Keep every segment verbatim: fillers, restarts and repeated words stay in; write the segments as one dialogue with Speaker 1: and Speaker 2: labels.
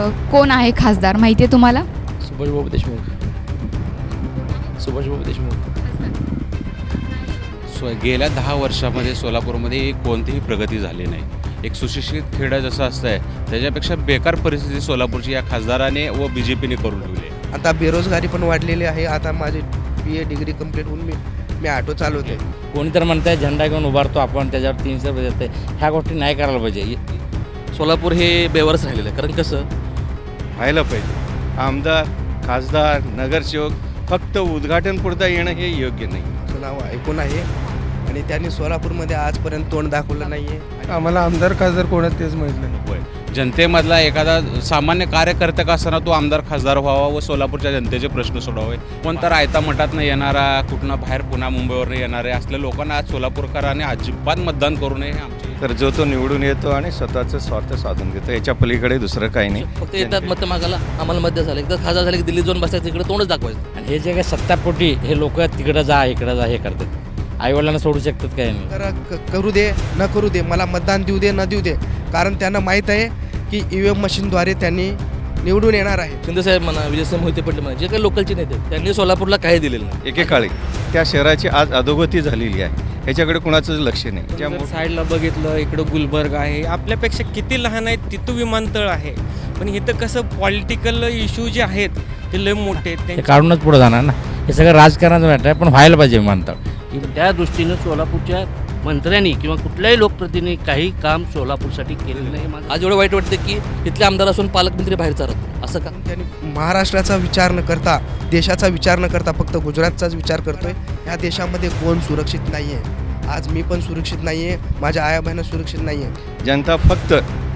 Speaker 1: कोण आहे खासदार माहिती आहे तुम्हाला?
Speaker 2: सुभाषबाबू देशमुख. सुभाषबाबू देशमुख.
Speaker 3: सो गेल्या दहा वर्षामध्ये सोलापूरमध्ये कोणतीही प्रगती झाली नाही. एक सुशिक्षित खेडं जसं असतं आहे त्याच्यापेक्षा बेकार परिस्थिती सोलापूरची या खासदाराने व बी जे पीने करून ठेवली आहे.
Speaker 4: आता बेरोजगारी पण वाढलेली आहे. आता माझी बी ए डिग्री कंप्लीट होऊन मी मी ऑटो चालवते.
Speaker 5: कोणी तर म्हणताय झेंडा घेऊन उभारतो आपण त्याच्यावर तीनशे रुपये देते. ह्या गोष्टी नाही करायला पाहिजे.
Speaker 2: सोलापूर हे बेवारच राहिलेलं आहे. कारण कसं
Speaker 6: व्हायला पाहिजे. आमदार खासदार नगरसेवक फक्त उद्घाटनपुरता येणं हे योग्य नाही.
Speaker 4: असं नाव ऐकून आहे आणि त्यांनी सोलापूरमध्ये आजपर्यंत तोंड दाखवलं नाही आहे.
Speaker 7: आम्हाला आमदार खासदार कोणाच तेच माहीत नाही.
Speaker 3: होय, जनतेमधला एखादा सामान्य कार्यकर्ता का असताना तो आमदार खासदार व्हावा व सोलापूरच्या जनतेचे प्रश्न सोडावे. कोणता रायता मठातनं येणारा कुठनं बाहेर पुन्हा मुंबईवरनं येणारे असल्या लोकांना आज सोलापूरकरांनी अजिबात मतदान करू नये हे आमची.
Speaker 6: तर जो तो निवडून येतो आणि स्वतःचं स्वार्थ साधून घेतो. याच्या पलीकडे दुसरं काही नाही.
Speaker 2: फक्त येतात मतं मागायला. आम्हाला मध्य झालं एकदा खासदार झाले की दिल्लीत जाऊन बसायचं तिकडे तोंडच दाखवायचं.
Speaker 5: आणि हे जे काही सत्तापोटी हे लोक तिकडं जा इकडं जा हे करतात. आईवडिलांना सोडू शकतात काय नाही.
Speaker 4: तर क- करू दे न करू दे मला मतदान देऊ दे न देऊ दे कारण त्यांना माहीत आहे की ई व्ही एम मशीनद्वारे त्यांनी निवडून येणार आहे.
Speaker 2: शिंदेसाहेब म्हणा विजयसाहेब मोहिते पाटील म्हणा जे काही लोकलचे नेते त्यांनी सोलापूरला काही दिलेलं नाही.
Speaker 6: एकेकाळी त्या शहराची आज अधोगती झालेली आहे. ह्याच्याकडे कुणाचंच लक्ष नाही.
Speaker 8: जर साईडला बघितलं इकडं गुलबर्ग आहे. आपल्यापेक्षा किती लहान आहेत तिथं विमानतळ आहे. पण इथं कसं पॉलिटिकल इश्यू जे आहेत ते लय मोठे आहेत.
Speaker 5: ते
Speaker 8: त्यांचे
Speaker 5: काढूनच पुढे जाणार ना. हे सगळं राजकारणाचं मॅटर आहे पण व्हायला पाहिजे विमानतळ.
Speaker 9: त्या दृष्टीनं सोलापूरच्या मंत्र्यांनी किंवा कुठल्याही लोकप्रतिनिधी काही काम सोलापूरसाठी केलेलं नाही.
Speaker 2: आज एवढं वाईट वाटतं की इथले आमदार असून पालकमंत्री बाहेर चालत असं का?
Speaker 4: त्यांनी महाराष्ट्राचा विचार न करता देशाचा विचार न करता फक्त गुजरातचाच विचार करतोय. ह्या देशामध्ये कोण सुरक्षित नाही आहे. आज मी पण सुरक्षित नाही आहे. माझ्या आया बहिणी सुरक्षित नाही आहे.
Speaker 6: जनता फक्त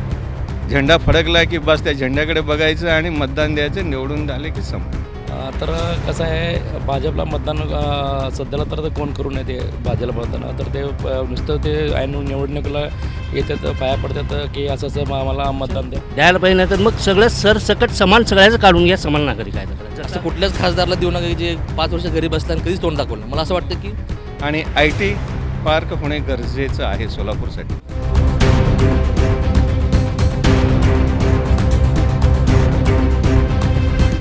Speaker 6: झेंडा फडकला की बस त्या झेंड्याकडे बघायचं आणि मतदान द्यायचं. निवडून झाले की संप.
Speaker 10: तर कसं आहे भाजपला मतदान सध्याला तर कोण करू नये ते भाजपला मतदान तर ते नुसतं ते ऐन निवडणुकीला येतात पाया पडतात की असं असं आम्हाला मतदान द्या
Speaker 9: द्यायला पाहिजे नाही तर मग सगळं सरसकट समान सगळ्याचं काढून घ्या. समान नागरिक आहे तर
Speaker 2: असं कुठल्याच खासदारला देऊ नका जे पाच वर्ष घरी बसला आणि कधीच तोंड दाखवलं. मला असं वाटतं की
Speaker 6: आणि आय टी पार्क होणे गरजेचं आहे सोलापूरसाठी.